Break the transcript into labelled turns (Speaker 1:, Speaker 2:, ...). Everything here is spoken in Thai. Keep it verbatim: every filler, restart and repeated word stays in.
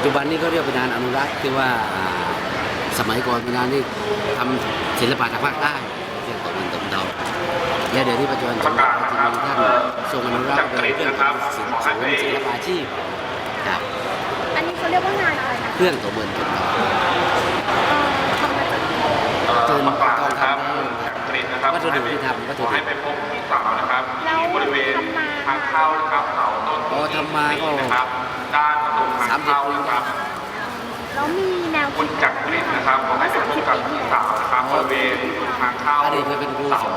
Speaker 1: จจุบันนี้ก็เรียกเป็นงานอนุรักษ์ที่ว่าสมัยก่อนเป็นงานที่ทำศิลปะทางภาคใต้เรื่องตะวันตกเดาและเดี๋ยวนี้ปัจจุบันสมเด็จพระจินดาท่านทรงอนุรักษ์เป็นเครื่องตะวันศิลป์ศิลปาชีพครับ
Speaker 2: อันนี้เขาเรียกว่างานอะไรนะ
Speaker 1: เครื่องตะวันตกเดา
Speaker 2: ทำมาจาก
Speaker 1: เกิน
Speaker 3: ประกาศ
Speaker 1: ตอน
Speaker 3: นะครับ
Speaker 1: ทำ
Speaker 3: จากกรีนนะครับ
Speaker 1: วัตถุดิบที่ทำวัตถุ
Speaker 3: ขอ
Speaker 1: ดิ
Speaker 3: ให้
Speaker 1: บ
Speaker 3: ไปพบพี่สาวนะครับที่บริเวณทางเข้านะครับเสาต้น
Speaker 1: อ๋อทำมาก็
Speaker 3: นะครับด้านประตูทาง
Speaker 1: สามสิบ
Speaker 3: เข้า
Speaker 1: ปี
Speaker 3: นะครับ
Speaker 2: แล้วมีแนว
Speaker 3: คุณจักรินนะครับขอให้ไปพบกับพี่สาวนะครับบริเวณทางเข้า
Speaker 1: อดีตเคยเป็นครูสอน